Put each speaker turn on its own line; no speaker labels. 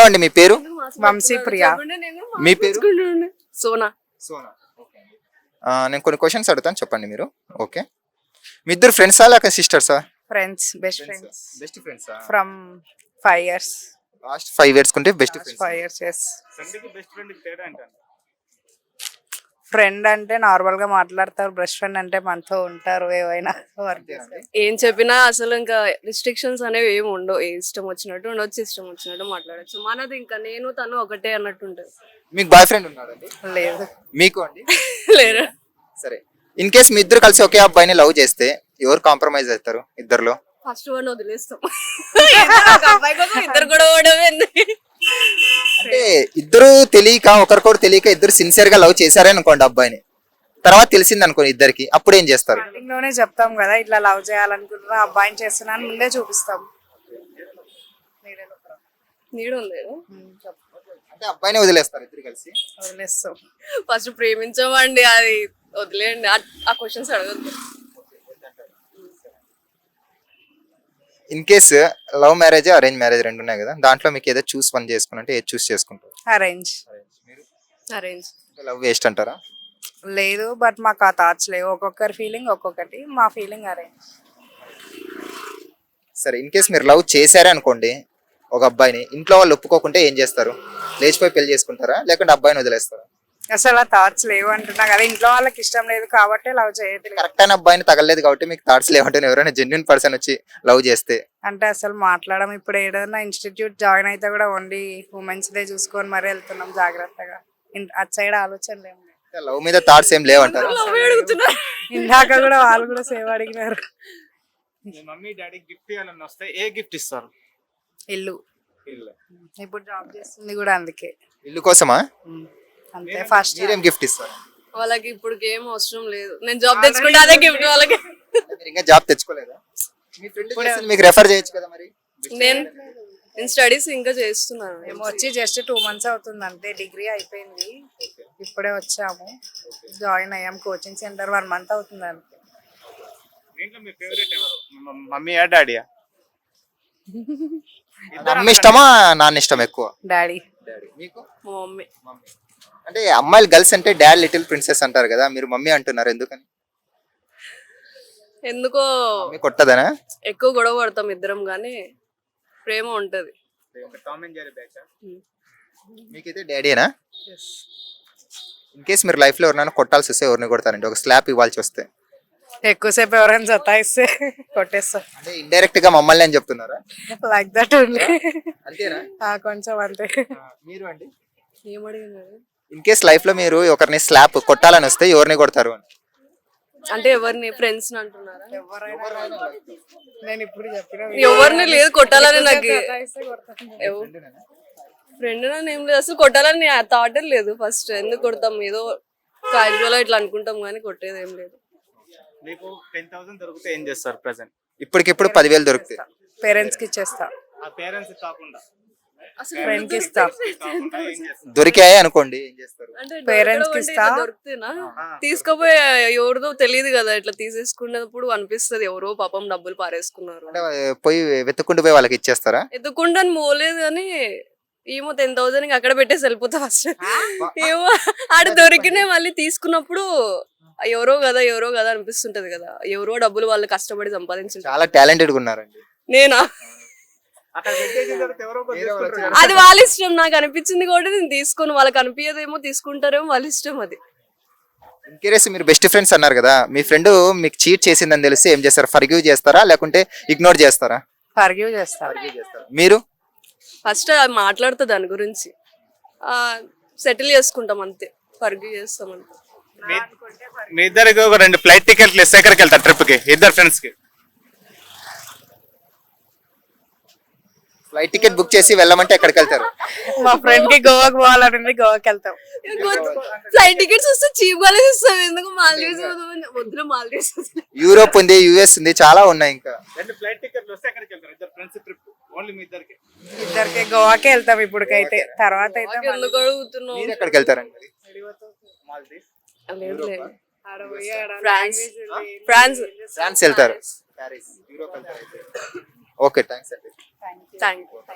Hello అండి, మీ పేరు?
వంశీ ప్రియా.
మీ పేరు?
సోనా.
సోనా. నేను కొన్ని క్వశ్చన్స్ అడుగుతాను, చెప్పండి మీరు. ఓకే. మీ ఇద్దరు ఫ్రెండ్సా లేక సిస్టర్సా?
ఫ్రెండ్స్, బెస్ట్ ఫ్రెండ్స్
బెస్ట్ ఫ్రెండ్సా?
From 5 years.
లాస్ట్ 5 years కుంటే బెస్ట్ ఫ్రెండ్స్.
5 years, yes.
సండేకి బెస్ట్ ఫ్రెండ్ తేడా అంటాను.
ఫ్రెండ్ అంటే నార్మల్ గా మాట్లాడతారు, బెస్ట్ ఫ్రెండ్ అంటే మనతో ఉంటారు, ఏవైనా వర్క్ చేస్తారు.
ఏం చెప్పినా అసలు ఇంకా రిస్ట్రిక్షన్స్ అనేవి ఏమి ఉండవు. ఇష్టం వచ్చినట్టు ఉండొచ్చు, ఇష్టం వచ్చినట్టు మాట్లాడచ్చు. మనది ఇంకా నేను తను ఒకటే అన్నట్టు ఉంటుంది.
మీకు బాయ్ ఫ్రెండ్ ఉన్నాడండి?
లేదు.
మీకు అండి?
లేరు.
సరే, ఇన్ కేస్ మీ ఇద్దరు కలిసి ఒకే అబ్బాయిని లవ్ చేస్తే ఎవరు కాంప్రమైజ్ అవుతారు ఇద్దరులో?
ఫస్ట్ వన్ వదిలేస్తాం. అబ్బాయి కోసం ఇద్దరు కూడా ఓడమే.
అంటే ఇద్దరు తెలియక, ఒకరికొకరు తెలియక ఇద్దరు సిన్సియర్ గా లవ్ చేశారే అనుకోండి అబ్బాయిని, తర్వాత తెలిసింది అనుకోండి ఇద్దరికి, అప్పుడు ఏం చేస్తారు?
స్టార్టింగ్ లోనే చెప్తాం కదా, ఇట్లా లవ్ చేయాలనుకుంటున్నా, అబ్బాయిని చేస్తున్నాను ముందే చూపిస్తాం.
నీడు లేదు.
అంటే అబ్బాయిని వదిలేస్తారు ఇద్దరు కలిసి?
వదిలేస్తాం.
ఫస్ట్ ప్రేమించమండి, అది వదిలేయండి. ఆ క్వశ్చన్స్ అడగద్దు.
In case love marriage, arrange marriage రెండు ఉన్నాయి కదా, దాంట్లో మీకు ఏదో చూస్ వన్ చేసుకుంటే ఏది చూస్ చేసుకుంటారు?
అరేంజ్.
అరేంజ్.
లవ్ వేస్ట్ అంటారా?
లేదు, బట్ మాకు ఆ థాట్స్ లేవు. ఒక్కొక్కరి ఫీలింగ్ ఒక్కొక్కటి, మా ఫీలింగ్ అరేంజ్.
సరే, ఇన్ కేస్ మీరు లవ్ చేశారే అనుకోండి ఒక అబ్బాయిని, ఇంట్లో వాళ్ళు ఒప్పుకోకుంటే ఏం చేస్తారు? లేచిపోయి పెళ్లి చేసుకుంటారా లేకుంటే అబ్బాయిని వదిలేస్తారా?
అసలు ఆ థాట్స్ లేవు అంటున్నా కదా, ఇంట్లో వాళ్ళకి ఇష్టం లేదు కాబట్టి లవ్ చేయట్లేదు.
కరెక్ట్ అయిన అబ్బాయిని తగలేదు కాబట్టి మీకు థాట్స్ లేవంటే, ఎవరైనా జెన్యున్ పర్సన్ వచ్చి లవ్ చేస్తే
అంటే అసలు మాట్లాడడం. ఇప్పుడు ఏదైనా ఇన్స్టిట్యూట్ జాయిన్ అయితే కూడా ఓన్లీ ఉమెన్స్ డే చూసుకొని మరీ వెళ్తున్నాం జాగ్రత్తగా. అటు సైడ్ ఆలోచనలు ఏమి లేవు.
లవ్ మీద థాట్స్ ఏం లేవంటారు?
ఇందాక కూడా వాళ్ళు కూడా సేవ్ అడిగినారు.
మీ మమ్మీ డాడీ గిఫ్ట్ ఇవ్వాలని వస్తే ఏ గిఫ్ట్ ఇస్తారు?
ఇల్లు. ఇప్పుడు జాబ్ చేస్తుంది కూడా అందుకే.
ఇల్లు కోసమా?
అంతే. ఫస్ట్
మీరేం గిఫ్ట్ ఇస్తారు?
వాళ్ళకి ఇప్పుడు ఏం అవసరం లేదు. నేను జాబ్ తెచ్చుకుంటే అదే గిఫ్ట్ వాళ్ళకి.
మీరు ఇంకా జాబ్ తెచ్చుకోలేదా? మీ ఫ్రెండ్ మీకు రెఫర్ చేయొచ్చు కదా మరి.
నేను స్టడీస్ ఇంకా చేస్తున్నాను.
మేము వచ్చి జస్ట్ 2 months అవుతుంది అంతే. డిగ్రీ అయిపోయింది, ఇప్పుడే వచ్చాము, జాయిన్ అయ్యాం కోచింగ్ సెంటర్. 1 month అవుతుంది అంతే.
దీంట్లో మీ ఫేవరెట్ ఎవరు? మమ్మీయా డాడీయా?
అమ్మ ఇష్టమా నాన్న ఇష్టం ఎక్కువ?
డాడీ.
మీకు?
మా మమ్మీ.
అంటే అమ్మాయిలు గర్ల్స్ అంటే డాడ్ లిటిల్ ప్రిన్సెస్ అంటారు కదా, మీరు మమ్మీ అంటున్నారు ఎందుకని?
ఎందుకో
మమ్మీ కొట్టదనా?
ఎక్కువ గొడవ పడతాం ఇద్దరం, కానీ ప్రేమ ఉంటది.
Tom and Jerry batch.
మీకైతే డాడీనా? ఇన్ కేస్ మీరు లైఫ్ లో ఎవరైనా కొట్టాల్సి వస్తే ఎవరిని కొడతారండి? ఒక స్లాప్ ఇవ్వాల్సి వస్తే?
ఎక్కువసేపు ఎవరైనా సతాయిస్తే కొట్టేస్తా.
అంటే ఇండైరెక్ట్ గా మమ్మల్ని అని చెప్తున్నారా?
Like that only.
అంతేనా?
కొంచెం అంతే.
మీరు అండి?
ఏమడిగినారు?
ఇన్ కేస్ లైఫ్ లో మీరు ఒకరిని స్లాప్ కొట్టాలని వస్తే ఎవరిని కొడతారు?
అంటే ఎవరిని? ఫ్రెండ్స్ అంటున్నారా?
నేను ఇప్పుడు చెప్పిన
ఎవరిని లేదు కొట్టాలని. నాకు ఫ్రెండ్ ఏం లేదు, అసలు కొట్టాలని థాట్ లేదు. ఫస్ట్ ఎందుకు కొడతాం, ఏదో క్యాజువల్ ఇట్లా అనుకుంటాం కానీ కొట్టేది ఏం లేదు.
మీకు 10,000 దొరికితే ఏం చేస్తారు ప్రెసెంట్?
ఇప్పటికిప్పుడు 10,000 దొరుకుతాయి.
పేరెంట్స్ కి ఇచ్చేస్తా.
ఆ పేరెంట్స్ కాకుండా
ఫ్రెండ్ కి ఇస్తా.
దొరికాయి అనుకోండి ఏం చేస్తారు?
పేరెంట్స్ కి ఇస్తా.
దొరికితేనా తీసుకుపోయి ఎవరిదో తెలియదు కదా, ఇట్లా తీసేసుకున్నప్పుడు అనిపిస్తుంది ఎవరో పాపం డబ్బులు పారేసుకున్నారు.
అంటే పోయి వెతుక్కుంటూ పోయి వాళ్ళకి ఇచ్చేస్తారా?
ఎత్తుకుంటాను పోలేదు కానీ ఏమో 10,000 అక్కడ పెట్టేసి వెళ్ళిపోతా ఫస్ట్. ఏమో ఆడ దొరికినే మళ్ళీ తీసుకున్నప్పుడు ఎవరో కదా అనిపిస్తుంటది కదా, ఎవరో డబ్బులు వాళ్ళు కష్టపడి సంపాదించారు.
చాలా టాలెంటెడ్ గా ఉన్నారండి.
నేనా?
అక్కడ పెట్టేసిన తర్వాత ఎవరో ఒకరు తీసుకుంటారు.
అది వాళ్ళ ఇష్టం. నాకు అనిపించింది కూడా నేను తీసుకోను. వాళ్ళకి అనిపించదేమో, తీసుకుంటారేమో, వాళ్ళ ఇష్టం అది.
ఇంకేసి మీరు బెస్ట్ ఫ్రెండ్స్ అన్నారు కదా, మీ ఫ్రెండ్ మీకు చీట్ చేసిందని తెలిస్తే ఏం చేస్తారు? ఫర్గివ్ చేస్తారా లేకుంటే ఇగ్నోర్ చేస్తారా?
ఫర్గివ్ చేస్తా.
మీరు?
ఫస్ట్ మాట్లాడుతా దాని గురించి, సెటిల్ చేసుకుంటాం అంతే. ఫర్గివ్ చేస్తాం అంతే.
మీ ఇద్దరికి ఒక 2 ఫ్లైట్ టికెట్లు ఇస్తే ఎక్కడికి వెళ్తారు ట్రిప్ కి? ఇద్దరు ఫ్రెండ్స్ కి
ఫ్లైట్ టికెట్ బుక్ చేసి వెళ్ళమంటే ఎక్కడికి వెళ్తారు?
మా ఫ్రెండ్ కి గోవాకి పోవాలని, గోవాకి వెళ్తాం.
ఫ్లైట్ టికెట్స్ వస్తే చీప్ గానే ఇస్తాం. ఎందుకు మాల్దీవ్స్ వద్దులే, మాల్దీవ్స్
యూరోప్ ఉంది, యుఎస్ ఉంది, చాలా ఉన్నాయి. ఇంకా
2 ఫ్లైట్ టికెట్లు వస్తే ఎక్కడికి వెళ్తారు? ఇద్దరు ఫ్రెండ్స్ ట్రిప్ ఓన్లీ మీ ఇద్దరికి?
ఇద్దరికి గోవాకే వెళ్తాం ఇప్పటికైతే. తర్వాత అయితే
ఎందుకు అడుగుతున్నావు?
మీరు ఎక్కడికి వెళ్తారండి?
మాల్దీవ్స్.
లేదు లేదు, ఫ్రాన్స్
వెళ్తారు. ఓకే, థ్యాంక్స్ అండి.
Thank you.